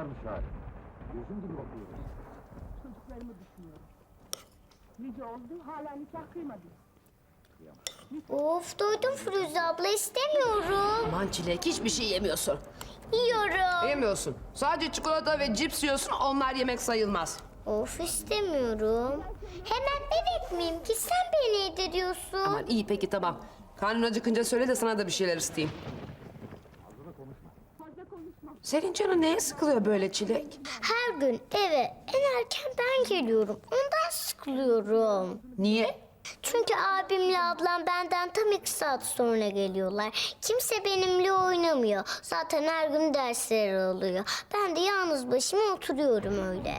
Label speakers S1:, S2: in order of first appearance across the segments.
S1: varmış hali. Gözüm gibi bakıyoruz.
S2: Çocuklarımı düşünüyorum. Nice oldu, hala nikah kıymadım.
S3: Of doydum Firuze abla istemiyorum.
S4: Aman Çilek hiçbir şey yemiyorsun.
S3: Yiyorum.
S4: Yemiyorsun. Sadece çikolata ve cips yiyorsun, onlar yemek sayılmaz.
S3: Of istemiyorum. Hemen bebek miyim ki sen beni yediriyorsun.
S4: Aman iyi peki tamam. Karnın acıkınca söyle de sana da bir şeyler ısıtayım. Senin canın neye sıkılıyor böyle Çilek?
S3: Her gün eve en erken ben geliyorum. Ondan sıkılıyorum.
S4: Niye?
S3: Çünkü abimle ablam benden tam 2 saat sonra geliyorlar. Kimse benimle oynamıyor. Zaten her gün dersleri oluyor. Ben de yalnız başıma oturuyorum öyle.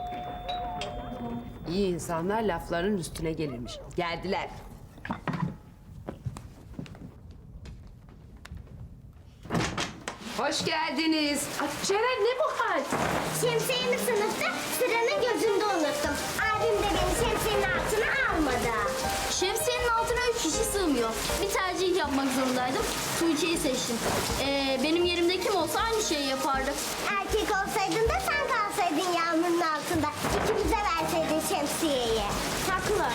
S4: İyi insanlar lafların üstüne gelirmiş. Geldiler. Hoş geldiniz. Ay, Ceren ne bu hal?
S3: Şemsiyemi sınıfta sıranın gözünde unuttum. Abim de beni şemsiyenin altına almadı.
S5: Şemsiyenin altına 3 kişi sığmıyor. Bir tercih yapmak zorundaydım. Tuğçe'yi seçtim. Benim yerimde kim olsa aynı şeyi yapardı.
S3: Erkek olsaydın da sen kalsaydın yağmurun altında. İkimize verseydin şemsiyeyi.
S5: Haklılar.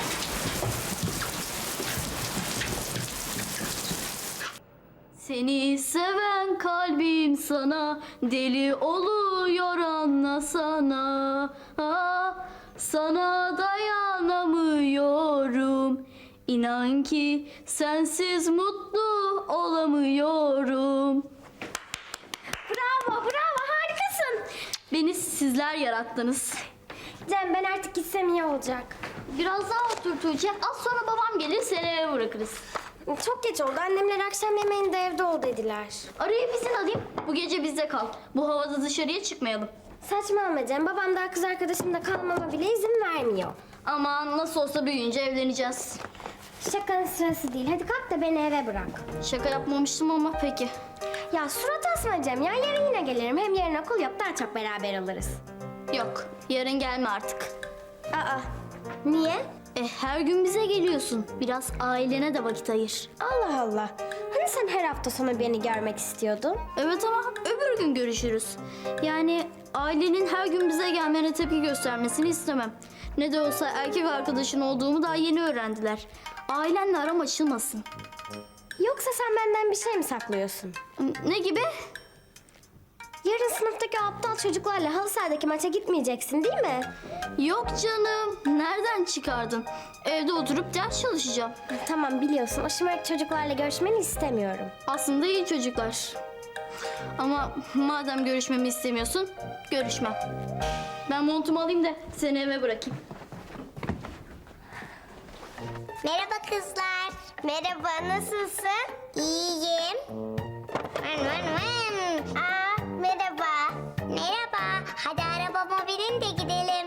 S5: Seni seven kalbim sana deli oluyor anlasana. Ah, sana dayanamıyorum. İnan ki sensiz mutlu olamıyorum. Bravo, bravo, harikasın. Beni sizler yarattınız.
S6: Cem ben artık gitsem iyi olacak.
S5: Biraz daha otur Tuğçe. Az sonra babam gelir seni eve bırakırız.
S6: Çok geç oldu. Annemler akşam yemeğinde evde ol dediler.
S5: Arayıp izin alayım. Bu gece bizde kal. Bu havada dışarıya çıkmayalım.
S6: Saçmalama Cem. Babam daha kız arkadaşımla kalmama bile izin vermiyor.
S5: Aman nasıl olsa büyüyünce evleneceğiz.
S6: Şakanın sırası değil. Hadi kalk da beni eve bırak.
S5: Şaka yapmamıştım ama peki.
S6: Ya surat asma Cem ya. Yarın yine gelirim. Hem yarın okul yok. Daha çok beraber oluruz.
S5: Yok, yarın gelme artık.
S6: Aa. Niye?
S5: Her gün bize geliyorsun. Biraz ailene de vakit ayır.
S6: Allah Allah. Hani sen her hafta sonu beni görmek istiyordun?
S5: Evet ama öbür gün görüşürüz. Yani ailenin her gün bize gelmene tepki göstermesini istemem. Ne de olsa erkek arkadaşın olduğumu daha yeni öğrendiler. Ailenle aram açılmasın.
S6: Yoksa sen benden bir şey mi saklıyorsun?
S5: Ne gibi?
S6: Yarın sınıftaki aptal çocuklarla halı sahadaki maça gitmeyeceksin değil mi?
S5: Yok canım. Nereden çıkardın? Evde oturup ders çalışacağım.
S6: Tamam biliyorsun. O şımarık çocuklarla görüşmeni istemiyorum.
S5: Aslında iyi çocuklar. Ama madem görüşmemi istemiyorsun, görüşmem. Ben montumu alayım da seni eve bırakayım.
S3: Merhaba kızlar. Merhaba, nasılsın? İyiyim. Aa, merhaba. Merhaba. Hadi arabama binin de gidelim.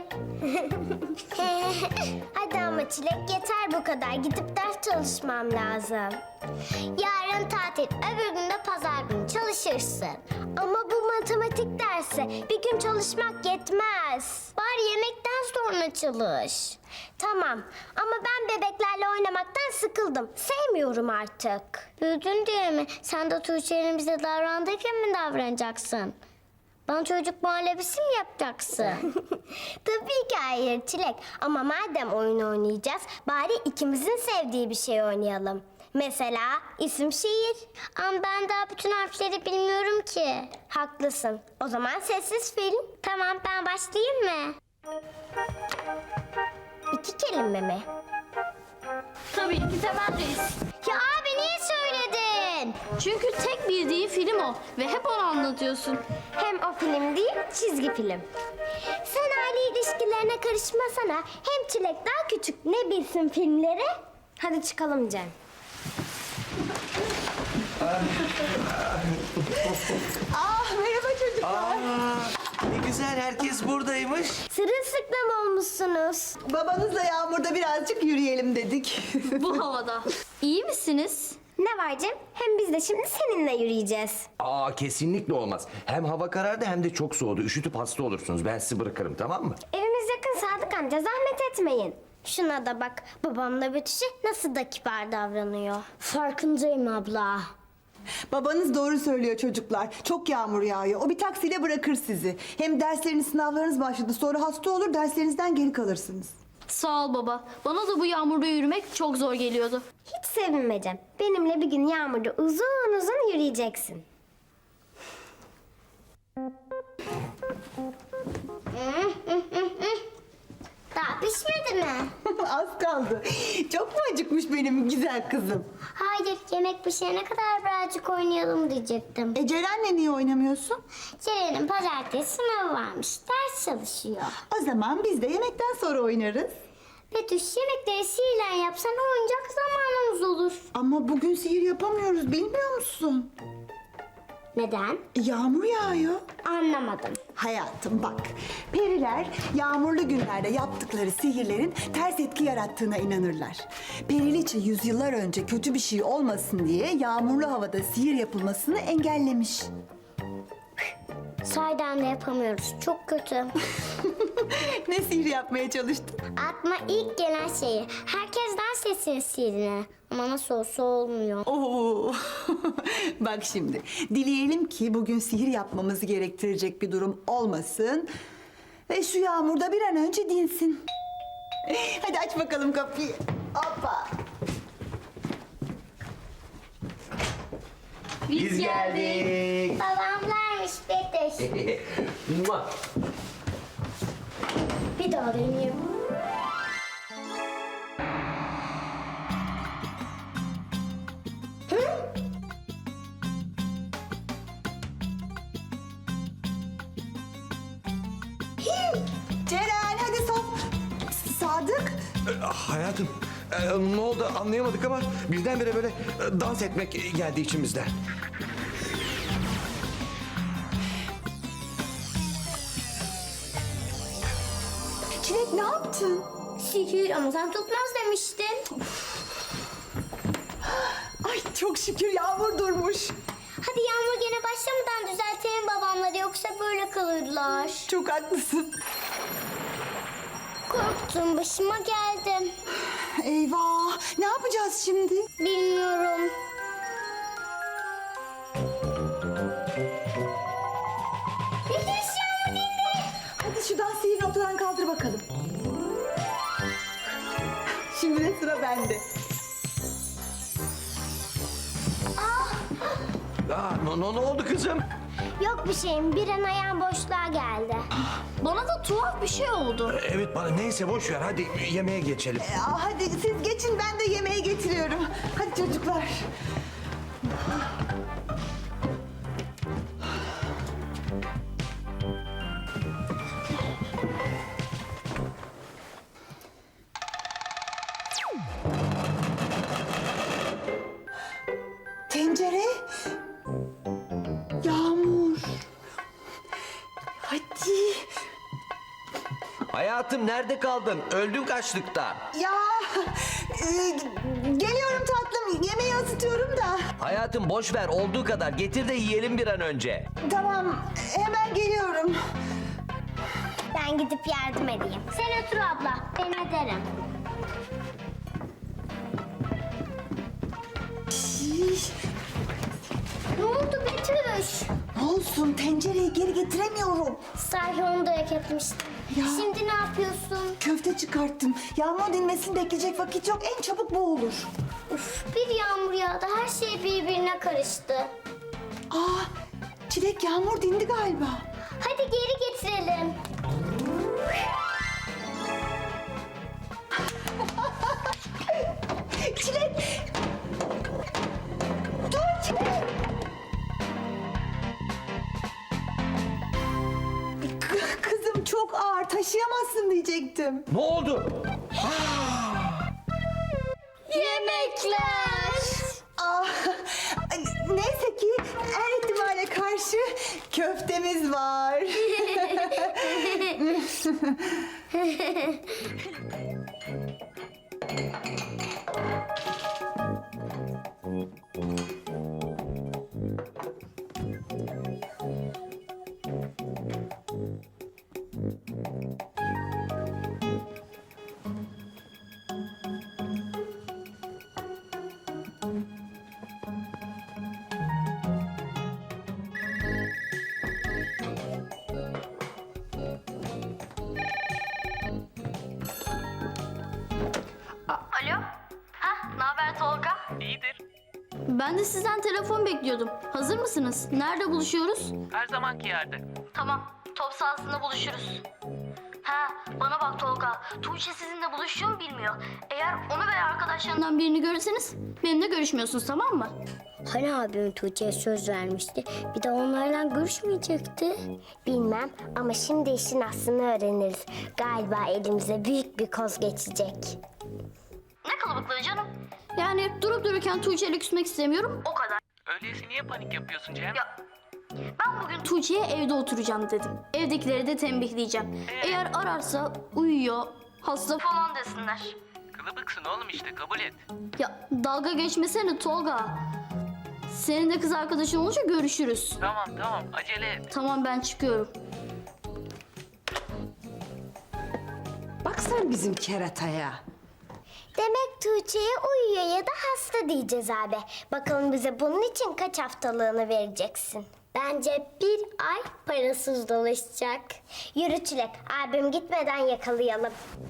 S3: Hadi ama Çilek yeter bu kadar. Gidip ders çalışmam lazım. Yarın tatil, öbür gün de pazar günü çalışırsın. Ama bu matematik dersi bir gün çalışmak yetmez. Bari yemekten sonra çalış. Tamam ama ben bebeklerle oynamaktan sıkıldım. Sevmiyorum artık. Büyüdün diye mi? Sen de Tuğçe'nin bize davrandığı gibi mi davranacaksın? Bana çocuk muhallebisi mi yapacaksın? Tabii ki hayır Çilek. Ama madem oyun oynayacağız, bari ikimizin sevdiği bir şey oynayalım. Mesela isim şiir. Ama ben daha bütün harfleri bilmiyorum ki. Haklısın. O zaman sessiz film. Tamam ben başlayayım mı? 2 kelime mi?
S5: Tabii ki Temel Reis.
S3: Ya abi niye söyledin?
S5: Çünkü tek bildiği film o ve hep onu anlatıyorsun.
S6: Hem o film değil, çizgi film.
S3: Sen aile ilişkilerine karışmasana. Hem Çilek daha küçük, ne bilsin filmleri?
S6: Hadi çıkalım Cem.
S7: Ne güzel herkes buradaymış.
S3: Sırılsıklam olmuşsunuz.
S8: Babanızla Yağmur'da birazcık yürüyelim dedik.
S5: Bu havada. İyi misiniz?
S6: Ne var Cem? Hem biz de şimdi seninle yürüyeceğiz.
S7: Aa kesinlikle olmaz. Hem hava karardı hem de çok soğudu. Üşütüp hasta olursunuz. Ben sizi bırakırım tamam mı?
S6: Evimiz yakın Sadık amca, zahmet etmeyin.
S3: Şuna da bak, babamla Betüş'e nasıl da kibar davranıyor. Farkındayım abla.
S8: Babanız doğru söylüyor çocuklar. Çok yağmur yağıyor. O bir taksiyle bırakır sizi. Hem dersleriniz, sınavlarınız başladı. Sonra hasta olur, derslerinizden geri kalırsınız.
S5: Sağ ol baba. Bana da bu yağmurda yürümek çok zor geliyordu.
S3: Hiç sevinmeyeceğim. Benimle bir gün yağmurda uzun uzun yürüyeceksin. Daha pişmedi mi?
S8: Az kaldı. Çok mu acıkmış benim güzel kızım?
S3: Hayır, yemek pişene kadar birazcık oynayalım diyecektim.
S8: Ceren'le niye oynamıyorsun?
S3: Ceren'in pazartesi sınavı varmış. Ders çalışıyor.
S8: O zaman biz de yemekten sonra oynarız.
S3: Betüş, yemekleri sihirle yapsan oyuncak zamanımız olur.
S8: Ama bugün sihir yapamıyoruz, bilmiyor musun?
S3: Neden?
S8: Yağmur yağıyor.
S3: Anlamadım.
S8: Hayatım bak, periler yağmurlu günlerde yaptıkları sihirlerin ters etki yarattığına inanırlar. Periliçe yüzyıllar önce kötü bir şey olmasın diye yağmurlu havada sihir yapılmasını engellemiş.
S3: Sahiden de yapamıyoruz. Çok kötü.
S8: Ne sihir yapmaya çalıştın?
S3: Aklıma ilk gelen şeyi. Herkes dans etsin sihirine. Ama nasıl olsa olmuyor.
S8: Oo. Bak şimdi, dileyelim ki bugün sihir yapmamızı gerektirecek bir durum olmasın ve şu yağmurda bir an önce dinsin. Hadi aç bakalım kapıyı. Hoppa.
S7: Biz geldik.
S3: Babamlarmış Betüş.
S7: Mua.
S3: Bir daha deneyeyim.
S8: Ceren hadi sok. Sadık.
S7: Hayatım ne oldu anlayamadık ama birdenbire böyle dans etmek geldi içimizden.
S8: Çilek ne yaptın?
S3: Sihir ama sen tutmaz demiştin.
S8: Ay çok şükür yağmur durmuş.
S3: Hadi yağmur gene başlamadan düzeltelim babamları yoksa böyle kalırlar.
S8: Çok haklısın.
S3: Korktum, başıma geldi.
S8: Eyvah, ne yapacağız şimdi?
S3: Bilmiyorum. Betüş, yağmur indi.
S8: Hadi şu dans sihir ortadan kaldır bakalım. Şimdi de sıra bende.
S7: Ne oldu kızım?
S3: Yok bir şeyim, bir an ayağım boşluğa geldi.
S5: Bana da tuhaf bir şey oldu.
S7: Evet bana neyse boş ver hadi yemeğe geçelim.
S8: Hadi siz geçin, ben de yemeği getiriyorum. Hadi çocuklar. Tencere. Yağmur. Hadi.
S7: Hayatım nerede kaldın? Öldün kaçlıkta.
S8: Ya geliyorum tatlım. Yemeği ısıtıyorum da.
S7: Hayatım boş ver olduğu kadar getir de yiyelim bir an önce.
S8: Tamam, hemen geliyorum.
S3: Ben gidip yardım edeyim. Sen otur abla, ben ederim. Ne oldu Betüş?
S8: Ne olsun, tencereyi geri getiremiyorum.
S3: Sahi onu da etmiştim.
S8: Ya.
S3: Şimdi ne yapıyorsun?
S8: Köfte çıkarttım. Yağmur dinmesini bekleyecek vakit yok. En çabuk bu olur.
S3: Uf, bir yağmur yağdı, her şey birbirine karıştı.
S8: Çilek yağmur dindi galiba.
S3: Hadi geri getirelim.
S8: Çilek! Dur Çilek! Kızım çok ağır, taşıyamazsın diyecektim.
S7: Ne oldu?
S3: Yemekler.
S8: Neyse ki her ihtimale karşı köftemiz var.
S5: Ben de sizden telefon bekliyordum. Hazır mısınız? Nerede buluşuyoruz?
S9: Her zamanki yerde.
S5: Tamam, top sahasında buluşuruz. Ha, bana bak Tolga. Tuğçe sizinle buluşuyor mu bilmiyor. Eğer onu veya arkadaşlarından birini görürseniz benimle görüşmüyorsunuz, tamam mı?
S3: Hani abim Tuğçe'ye söz vermişti. Bir de onlarla görüşmeyecekti. Bilmem ama şimdi işin aslını öğreniriz. Galiba elimize büyük bir koz geçecek.
S5: Ne kalabalıklığı canım? Yani durup dururken Tuğçe'yle küsmek istemiyorum, o kadar.
S9: Öyleyse niye panik yapıyorsun Cem?
S5: Ya, ben bugün Tuğçe'ye evde oturacağım dedim. Evdekileri de tembihleyeceğim. Eğer ararsa uyuyor, hasta falan desinler.
S9: Kılıbıksın oğlum işte, kabul et.
S5: Ya dalga geçmesene Tolga. Senin de kız arkadaşın olunca görüşürüz.
S9: Tamam, acele et.
S5: Tamam, ben çıkıyorum.
S4: Bak sen bizim kerataya.
S3: Demek Tuğçe'ye uyuyor ya da hasta diyeceğiz abi. Bakalım bize bunun için kaç haftalığını vereceksin? Bence bir ay parasız dolaşacak. Yürü Çilek, abim gitmeden yakalayalım.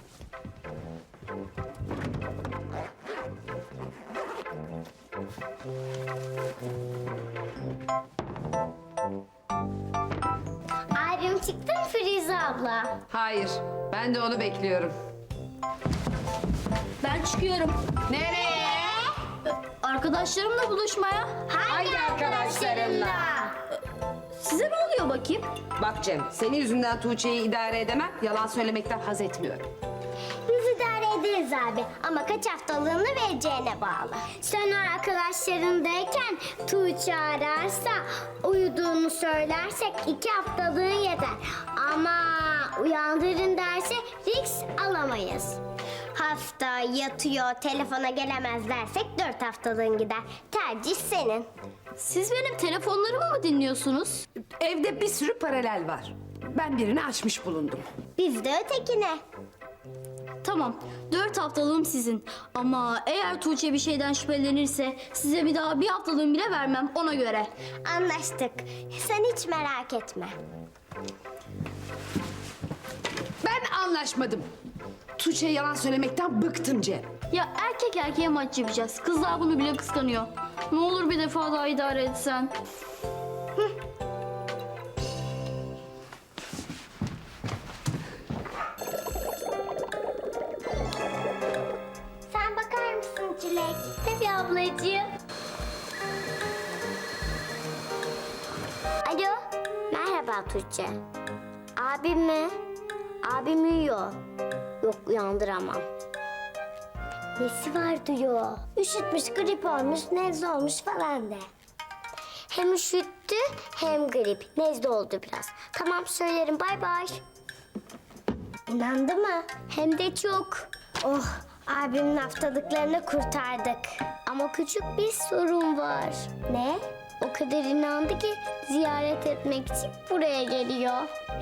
S3: Abim çıktı mı Firuze abla?
S4: Hayır, ben de onu bekliyorum.
S5: Ben çıkıyorum.
S4: Nereye?
S5: Arkadaşlarımla buluşmaya.
S3: Hangi arkadaşlarınla?
S5: Size ne oluyor bakayım?
S4: Bak Cem, senin yüzünden Tuğçe'yi idare edemem. Yalan söylemekten haz etmiyorum.
S3: Biz idare ederiz abi ama kaç haftalığını vereceğine bağlı. Sen o arkadaşlarındayken Tuğçe ararsa uyuduğunu söylersek 2 haftalığın yeter. Ama uyandırın derse risk alamayız. Hasta, yatıyor, telefona gelemez dersek 4 haftalığın gider. Tercih senin.
S5: Siz benim telefonlarımı mı dinliyorsunuz?
S4: Evde bir sürü paralel var. Ben birini açmış bulundum.
S3: Biz de ötekine.
S5: Tamam, 4 haftalığım sizin. Ama eğer Tuğçe bir şeyden şüphelenirse size bir daha 1 haftalığım bile vermem, ona göre.
S3: Anlaştık. Sen hiç merak etme.
S4: Ben anlaşmadım. Tuğçe'ye yalan söylemekten bıktım Cem.
S5: Ya erkek erkeğe maç yapacağız. Kızlar bunu bile kıskanıyor. Ne olur bir defa daha idare etsen.
S3: Sen bakar mısın Çilek? Tabii ablacığım. Alo. Merhaba Tuğçe. Abim mi? Abim uyuyor. Yok uyandıramam. Nesi var diyor. Üşütmüş, grip olmuş, nezle olmuş falan de. Hem üşüttü hem grip. Nezle oldu biraz. Tamam söylerim bay bay. İnandı mı? Hem de çok. Oh, abimin haftalıklarını kurtardık. Ama küçük bir sorun var. Ne? O kadar inandı ki ziyaret etmek için buraya geliyor.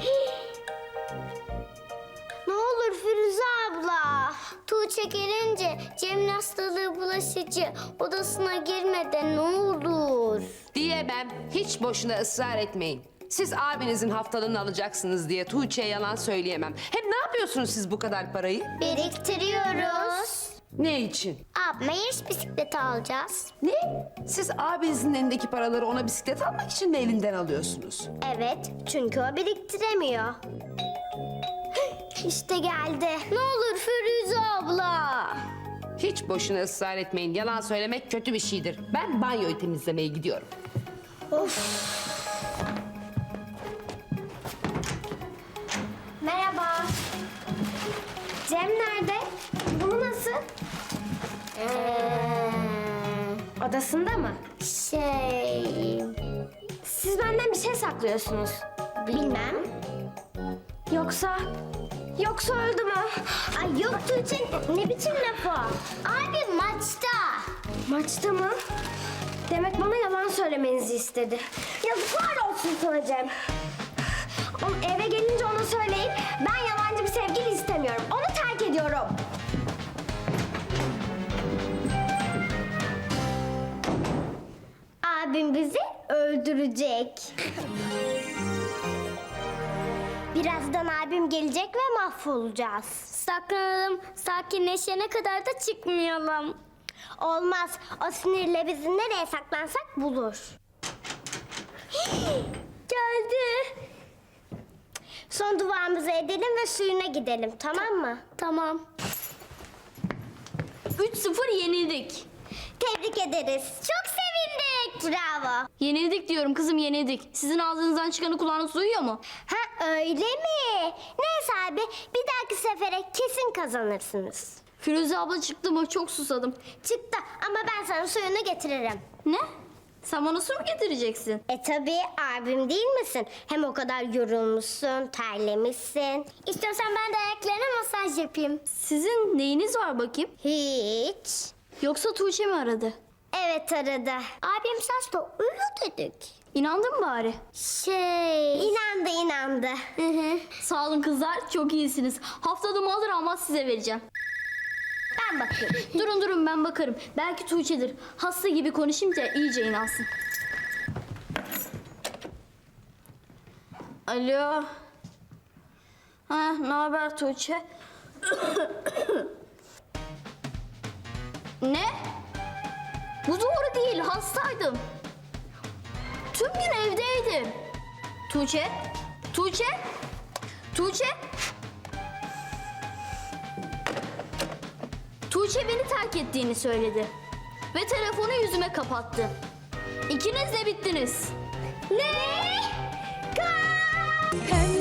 S3: Ne olur Firuze abla. Tuğçe gelince Cem'in hastalığı bulaşıcı. Odasına girmeden ne olur.
S4: Diyemem. Hiç boşuna ısrar etmeyin. Siz abinizin haftalığını alacaksınız diye Tuğçe'ye yalan söyleyemem. Hem ne yapıyorsunuz siz bu kadar parayı?
S3: Biriktiriyoruz.
S4: Ne için?
S3: Abime yarış bisikleti alacağız.
S4: Ne? Siz abinizin elindeki paraları ona bisiklet almak için mi elinden alıyorsunuz?
S3: Evet, çünkü o biriktiremiyor. İşte geldi. Ne olur Firuze abla.
S4: Hiç boşuna ısrar etmeyin. Yalan söylemek kötü bir şeydir. Ben banyoyu temizlemeye gidiyorum.
S3: Merhaba. Cem nerede? Bu nasıl? Odasında mı? Siz benden bir şey saklıyorsunuz. Bilmem. Yoksa öldü mü? Ay yok Tuğçe, ne biçim laf o? Abi maçta. Maçta mı? Demek bana yalan söylemenizi istedi. Yazıklar olsun sana Cem. Eve gelince ona söyleyin. Ben yalancı bir sevgili istemiyorum. Onu terk ediyorum. Abim bizi öldürecek. Birazdan abim gelecek ve mahvolacağız. Saklanalım, sakinleşene kadar da çıkmayalım. Olmaz. O sinirle bizi nereye saklansak bulur. Geldi. Son duamızı edelim ve suyuna gidelim, tamam mı?
S5: Tamam. 3-0 yenildik.
S3: Tebrik ederiz. Çok sevindik. Bravo.
S5: Yenildik diyorum kızım, yenildik. Sizin ağzınızdan çıkanı kulağınız duyuyor mu?
S3: Ha öyle mi? Neyse abi, bir dahaki sefere kesin kazanırsınız.
S5: Firuze abla çıktı mı? Çok susadım.
S3: Çıktı ama ben sana suyunu getiririm.
S5: Ne? Sen bana su mu getireceksin?
S3: Tabii abim değil misin? Hem o kadar yorulmuşsun, terlemişsin. İstiyorsan ben de ayaklarına masaj yapayım.
S5: Sizin neyiniz var bakayım?
S3: Hiç.
S5: Yoksa Tuğçe mi aradı?
S3: Evet aradı. Abim saçta uyu dedik.
S5: İnandın mı bari?
S3: İnandı.
S5: Sağ olun kızlar, çok iyisiniz. Haftalığımı alır almaz size vereceğim.
S3: Ben bakıyorum.
S5: Durun ben bakarım. Belki Tuğçe'dir. Hasta gibi konuşunca iyice inansın. Alo. Ha, ne haber Tuğçe? Ne? Bu doğru değil, hastaydım. Tüm gün evdeydim. Tuğçe? Tuğçe? Tuğçe? Tuğçe beni terk ettiğini söyledi. Ve telefonu yüzüme kapattı. İkiniz de bittiniz.
S3: Ne?
S6: Pembe